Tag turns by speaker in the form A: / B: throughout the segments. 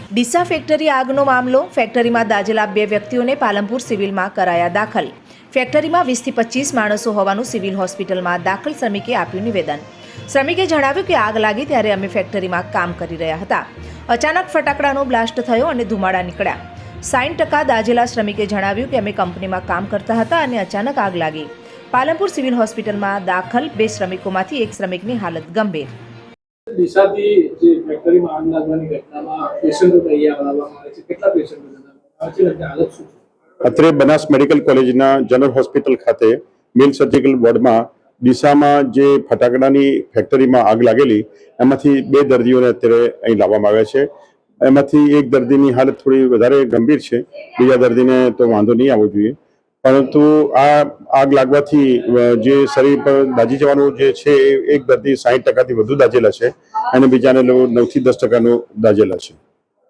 A: Deesa factory આગનો મામલો. ફેક્ટરીમાં દાઝેલા 2 વ્યક્તિઓને પાલનપુર સિવિલમાં કરાયા દાખલ. ફેક્ટરીમાં 20થી 25 માણસો હોવાનું સિવિલ હોસ્પિટલમાં દાખલ શ્રમિકે આપ્યું નિવેદન. શ્રમિકે જણાવ્યું કે આગ લાગી ત્યારે અમે ફેક્ટરીમાં કામ કરી રહ્યા હતા. અચાનક ફટાકડાનો બ્લાસ્ટ થયો અને ધુમાડા નીકળ્યા. 60% દાઝેલા શ્રમિકે જણાવ્યું કે અમે કંપનીમાં કામ કરતા હતા અને અચાનક આગ લાગી. પાલનપુર સિવિલ હોસ્પિટલમાં દાખલ 2 શ્રમિકોમાંથી એક શ્રમિકની હાલત ગંભીર.
B: દિશાથી જે ફેક્ટરીમાં આગ લાગવાની ઘટનામાં પેશન્ટો તૈયાર કરવામાં આવે છે, કેટલા પેશન્ટો આવે છે અને હાલત શું છે?
C: અત્રે બનાસ મેડિકલ કોલેજના જનરલ હોસ્પિટલ ખાતે મેલ સર્જિકલ વોર્ડમાં ડીસામાં જે ફટાકડાની ફેક્ટરીમાં આગ લાગેલી એમાંથી 2 દર્દીઓને અત્યારે અહીં લાવવામાં આવ્યા છે. એમાંથી એક દર્દીની હાલત થોડી વધારે ગંભીર છે, બીજા દર્દીને તો વાંધો નહીં આવવો જોઈએ. પરંતુ આ આગ લાગવાથી જે શરીર પર દાઝી જવાનું જે છે એ એક દર્દી 60%થી વધુ દાઝેલા છે અને બીજાને 9 થી 10% દાઝેલા છે.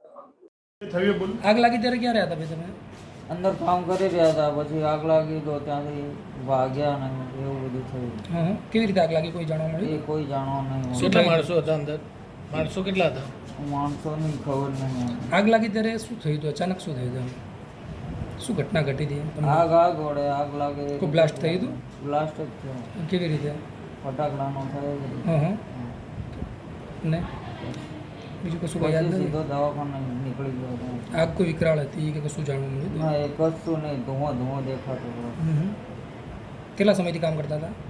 D: આગ લાગી ત્યારે ક્યાં રહ્યા હતા ભાઈ તમે?
E: અંદર કામ કરી રહ્યા હતા, પછી આગ લાગી તો ત્યાંથી ભાગ્યા ને એવું બધું થયું.
D: હા, કેવી રીતે આગ લાગી કોઈ જાણવા મળ્યું?
E: એ કોઈ જાણવા નહીં.
B: કેટલા માણસો હતા અંદર? માણસો કેટલા હતા?
E: માણસોની ખબર નહીં.
D: આગ લાગી ત્યારે શું થયું હતું? અચાનક શું થયું હતું? શું ઘટના ઘટી હતી તમને?
E: આગ વડે આગ લાગે.
D: કોઈ બ્લાસ્ટ થયું હતું?
E: બ્લાસ્ટ જ થયો.
D: કેવી રીતે?
E: ફટાકડાનો થયો.
D: હા. ને બીજું કશું કઈ યાદ
E: પછી
D: નથી?
E: સીધો દવાખાને નીકળી ગયો હતો.
D: આગ કોઈ વિકરાળ હતી કે કશું જાણવા મળ્યું હતું?
E: ના, એ કશું નહીં, ધુઓ દેખાતો હતો.
D: કેટલા સમયથી કામ કરતા હતા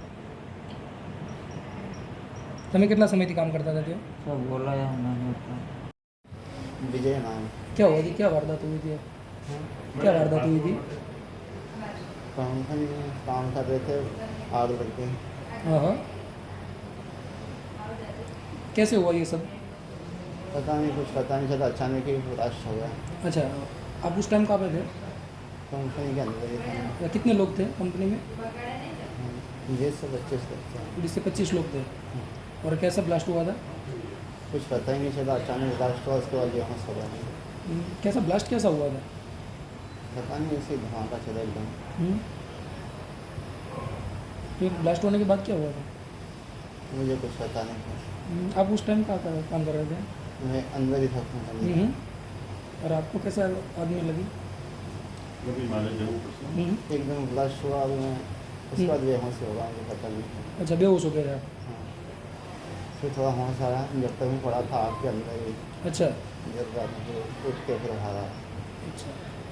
D: તમે? કેટલા સમયથી કામ करता था?
E: सब बोलाया नहीं था.
F: विजय नाम.
D: क्या हुआ थी? क्या वारदात हुई थी? क्या वारदात हुई थी?
F: कंपनी में काम कर रहे थे, आग लग गई.
D: हाँ हाँ. कैसे हुआ ये सब?
F: पता नहीं, कुछ पता नहीं चला, अचानक ही ब्लास्ट हो गया.
D: अच्छा, आप उस टाइम कहाँ पे थे?
F: कंपनी के अंदर ही था.
D: कितने लोग थे कंपनी में?
F: 20 से 25 तक थे.
D: 20 से 25 लोग थे. और कैसा ब्लास्ट हुआ था?
F: कुछ पता ही नहीं चला, अचानक ब्लास्ट हुआ, उसके बाद बेहोश हो गया.
D: कैसा ब्लास्ट कैसा हुआ था?
F: पता नहीं, ऐसे ही धमाका चला एकदम.
D: फिर ब्लास्ट होने के बाद क्या हुआ था?
F: मुझे कुछ पता नहीं था.
D: आप उस टाइम कहाँ काम कर रहे थे?
F: मैं अंदर ही था कंपनी में.
D: और आपको कैसा आग में लगी?
F: एकदम ब्लास्ट हुआ, अब मैं उसके बाद बेहोश हो गया, मुझे पता नहीं.
D: अच्छा, बेहोश हो गए थे आप?
F: हाँ. फिर थोड़ा होश आया, जब तक मैं पड़ा था आग के अंदर ही.
D: अच्छा
F: जब रात में उठ के फिर बाहर आया.
D: अच्छा.